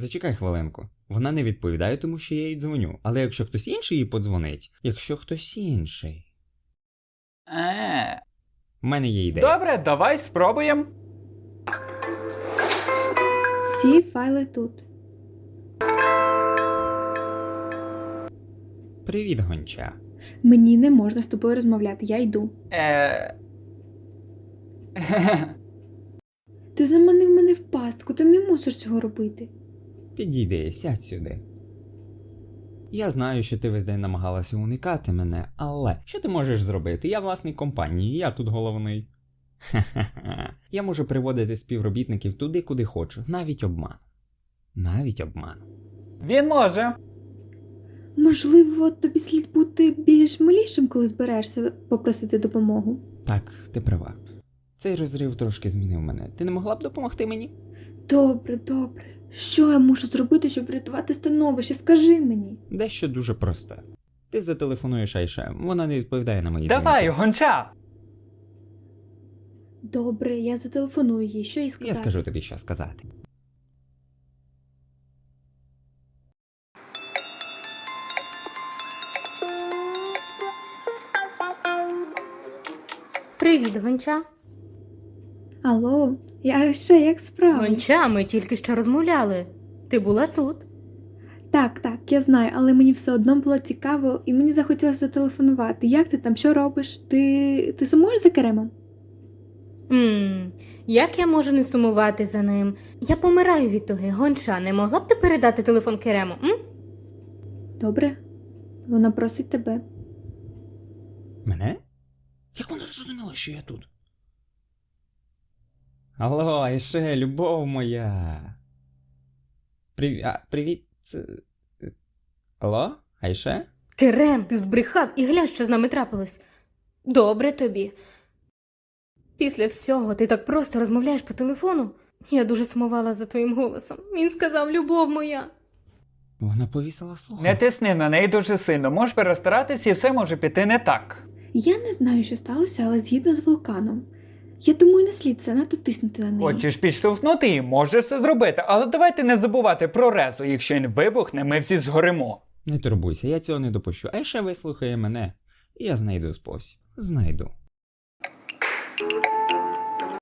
Зачекай хвилинку. Вона не відповідає, тому що я їй дзвоню. Але якщо хтось інший їй подзвонить, в мене є ідея. Добре, давай спробуємо. Всі файли тут. Привіт, гонча. Мені не можна з тобою розмовляти, я йду. Ти заманив мене в пастку, ти не мусиш цього робити. Підійди, сядь сюди. Я знаю, що ти весь день намагалася уникати мене, але що ти можеш зробити? Я власник компанії, я тут головний. Ха-ха-ха. Я можу приводити співробітників туди, куди хочу, навіть обман. Навіть обман. Він може. Можливо, тобі слід бути більш милішим, коли збираєшся попросити допомогу. Так, ти права. Цей розрив трошки змінив мене. Ти не могла б допомогти мені? Добре. Що я мушу зробити, щоб врятувати становище? Скажи мені. Дещо дуже просте. Ти зателефонуєш Айше, вона не відповідає на мої Давай, дзвінки. гонча. Добре, я зателефоную їй. Що їй сказати? Я скажу тобі, що сказати. Привіт, Гонча. Алло, як справи? Гонча, ми тільки що розмовляли. Ти була тут. Так, я знаю, але мені все одно було цікаво і мені захотілося зателефонувати. Як ти там, що робиш? Ти сумуєш за Керемом? Як я можу не сумувати за ним? Я помираю від туги. Гонча, не могла б ти передати телефон Керему, Добре, вона просить тебе. Мене? Як вона зрозуміла, що я тут? Алло, Айше, любов моя. Привіт. Алло, Айше? Керем, ти збрехав і глянь, що з нами трапилось. Добре тобі. Після всього ти так просто розмовляєш по телефону. Я дуже сумувала за твоїм голосом. Він сказав, любов моя. Вона повісила Не слухавку. тисни на неї дуже сильно. Можеш перестаратись і все може піти не так. Я не знаю, що сталося, але згідно з вулканом. Я думаю, не слід занадто тиснути на неї. Хочеш підштовхнути її, можеш це зробити. Але давайте не забувати про резу. Якщо він вибухне, ми всі згоримо. Не турбуйся, я цього не допущу. Айше вислухає мене. І я знайду спосіб. Знайду.